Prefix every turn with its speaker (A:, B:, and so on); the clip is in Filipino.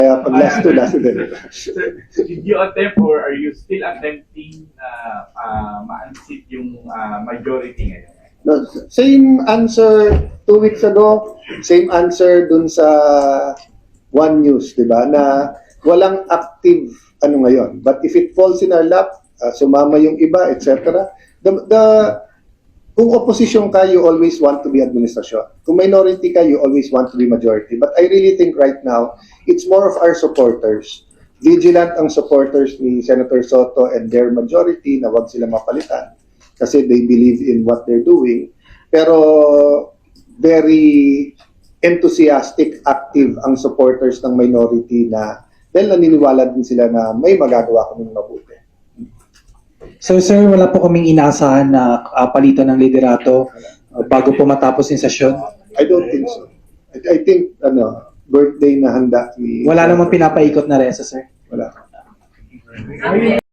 A: Kaya pag last two, din.
B: Sir, did you attempt or are you still attempting ma-unseat yung majority ngayon?
A: No, same answer 2 weeks ago, same answer dun sa One News, di ba? Na walang active ano ngayon. But if it falls in our lap, sumama yung iba, etc. Kung opposition ka, you always want to be administrasyon. Kung minority ka, you always want to be majority. But I really think right now, it's more of our supporters. Vigilant ang supporters ni Senator Soto and their majority na wag sila mapalitan kasi they believe in what they're doing. Pero very enthusiastic, active ang supporters ng minority na dahil naniniwala din sila na may magagawa kaming mabuti.
C: So sir, wala po kaming inaasahan na palitan ng liderato bago po matapos yung sesyon?
A: I don't think so. I think birthday na handa ni...
C: Wala namang pinapaikot na resa, sir?
A: Wala.